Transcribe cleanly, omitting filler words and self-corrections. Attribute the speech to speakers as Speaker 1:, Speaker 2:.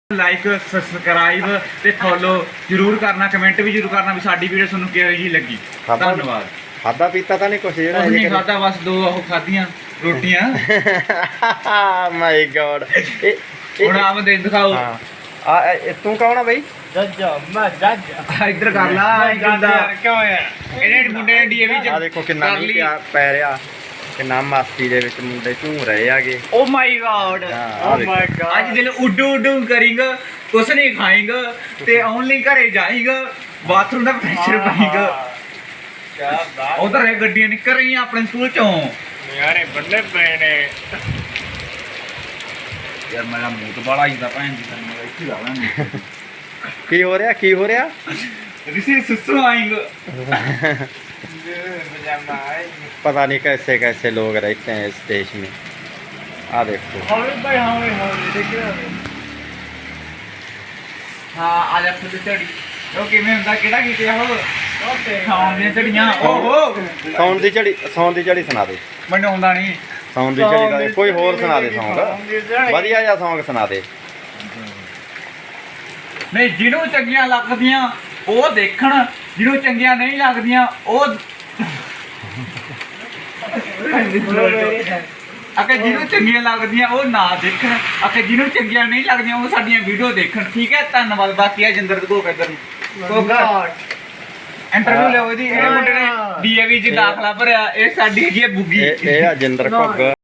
Speaker 1: Like subscribe ਤੇ follow ਜਰੂਰ ਕਰਨਾ, ਕਮੈਂਟ ਵੀ ਜਰੂਰ ਕਰਨਾ ਵੀ ਸਾਡੀ ਵੀਡੀਓ ਤੁਹਾਨੂੰ ਕਿਹੋ ਜਿਹੀ ਲੱਗੀ। ਧੰਨਵਾਦ।
Speaker 2: ਖਾਦਾ ਪੀਤਾ ਤਾਂ ਨਹੀਂ ਕੁਛ ਜਿਹੜਾ
Speaker 1: ਕੁਝ ਨਹੀਂ ਖਾਦਾ, ਬਸ 2 ਉਹ ਖਾਧੀਆਂ ਰੋਟੀਆਂ।
Speaker 2: My god.
Speaker 1: ਹੁਣ ਆਪ ਦੇ ਦਿਖਾਓ।
Speaker 2: ਆ ਤੂੰ ਕੌਣ ਆ ਬਈ?
Speaker 3: ਜੱਜ ਮੈਂ ਜੱਜ
Speaker 1: ਇੱਧਰ ਕਰ ਲਾ।
Speaker 3: ਕਿਉਂ ਹੈ
Speaker 1: ਇਹਨੇ ਮੁੰਡੇ ਨੇ ਡੀਏਵੀ ਚ
Speaker 2: ਆ ਦੇਖੋ ਕਿੰਨਾ
Speaker 1: ਕਰ ਲਈ।
Speaker 2: ਮੀਂਹ ਪੈ ਰਿਹਾ, ਕਿੰਨਾ ਮਸਤੀ ਦੇ ਵਿੱਚ ਮੁੰਡੇ ਝੂਮ ਰਹੇ ਆਗੇ।
Speaker 1: Oh my god,
Speaker 3: oh my god.
Speaker 1: ਅੱਜ ਦਿਲ ਉੱਡੂ ਉੱਡੂ ਕਰਿੰਗਾ, ਕੁਛ ਨਹੀਂ ਖਾਏਗਾ ਤੇ ਓਨਲੀ ਘਰੇ ਜਾਏਗਾ, ਬਾਥਰੂਮ ਦਾ ਪ੍ਰੈਸ਼ਰ ਪਾਏਗਾ।
Speaker 3: ਕੀ ਬਾਤ
Speaker 1: ਉਧਰ ਇਹ ਗੱਡੀਆਂ ਨਿਕਲ ਰਹੀਆਂ ਆਪਣੇ ਸਕੂਲ ਚੋਂ।
Speaker 3: ਯਾਰੇ ਬੰਦੇ ਪਏ ਨੇ।
Speaker 1: ਯਾਰ ਮੇਰਾ ਮੂੰਹ ਤੋਂ ਬੜਾ ਆਈਦਾ ਭੈਣ ਜੀ, ਤੈਨੂੰ ਇੱਥੇ ਲਾਵਾਂਗੇ।
Speaker 2: ਕੀ ਹੋ ਰਿਹਾ, ਕੀ ਹੋ ਰਿਹਾ?
Speaker 1: ਰਿਸੇ ਸੁਸੂ ਆਏਗਾ।
Speaker 3: पजामा है
Speaker 2: पता नहीं कैसे कैसे लोग रहते हैं इस देश में। आ देखो
Speaker 3: हमें भाई हमें देखिए
Speaker 1: ਹਾਂ ਆ ਜਾ ਫੁੱਲ ਝੜੀ। ਉਹ ਕਿਵੇਂ ਹੁੰਦਾ, ਕਿਹੜਾ ਕੀਤੇ ਆ ਉਹ ਖਾਣ ਦੀਆਂ ਝੜੀਆਂ। ਓਹੋ
Speaker 2: ਸੌਣ ਦੀ ਝੜੀ ਸੁਣਾ ਦੇ।
Speaker 1: ਮੈਨੂੰ ਆਉਂਦਾ ਨਹੀਂ।
Speaker 2: ਸੌਣ ਦੀ ਝੜੀ ਦਾ ਕੋਈ ਹੋਰ ਸੁਣਾ ਦੇ ਸੌਂਗ, ਵਧੀਆ ਜਿਹਾ ਸੌਂਗ ਸੁਣਾ ਦੇ।
Speaker 1: ਨਹੀਂ, ਜਿਹਨੂੰ ਚੰਗੀਆਂ ਲੱਗਦੀਆਂ ਉਹ ਦੇਖਣ, ਜਿਹਨੂੰ ਚੰਗੀਆਂ ਨਹੀਂ ਲੱਗਦੀਆਂ ਉਹ ਅਕੇ ਜਿਹਨੂੰ ਚੰਗੀਆਂ ਲੱਗਦੀਆਂ ਉਹ ਨਾ ਦੇਖਣ, ਅਕੇ ਜਿਹਨੂੰ ਚੰਗੀਆਂ ਨਹੀਂ ਲੱਗਦੀਆਂ ਉਹ ਸਾਡੀਆਂ ਵੀਡੀਓ ਦੇਖਣ। ਠੀਕ ਹੈ, ਧੰਨਵਾਦ। ਬਾਕੀ ਆ ਜਿੰਦਰ ਕੋ ਕਿੱਧਰ ਇੰਟਰਵਿਊ ਲਿਓ ਇਹਦੀ। ਇਹ ਮੁੰਡੇ ਨੇ ਡੀਏਵੀ ਚ ਦਾਖਲਾ ਭਰਿਆ। ਇਹ ਸਾਡੀ ਹੈਗੀ ਹੈ ਬੁੱਗੀ।
Speaker 2: ਇਹ ਆ ਜਿੰਦਰ ਘੁੱਗ।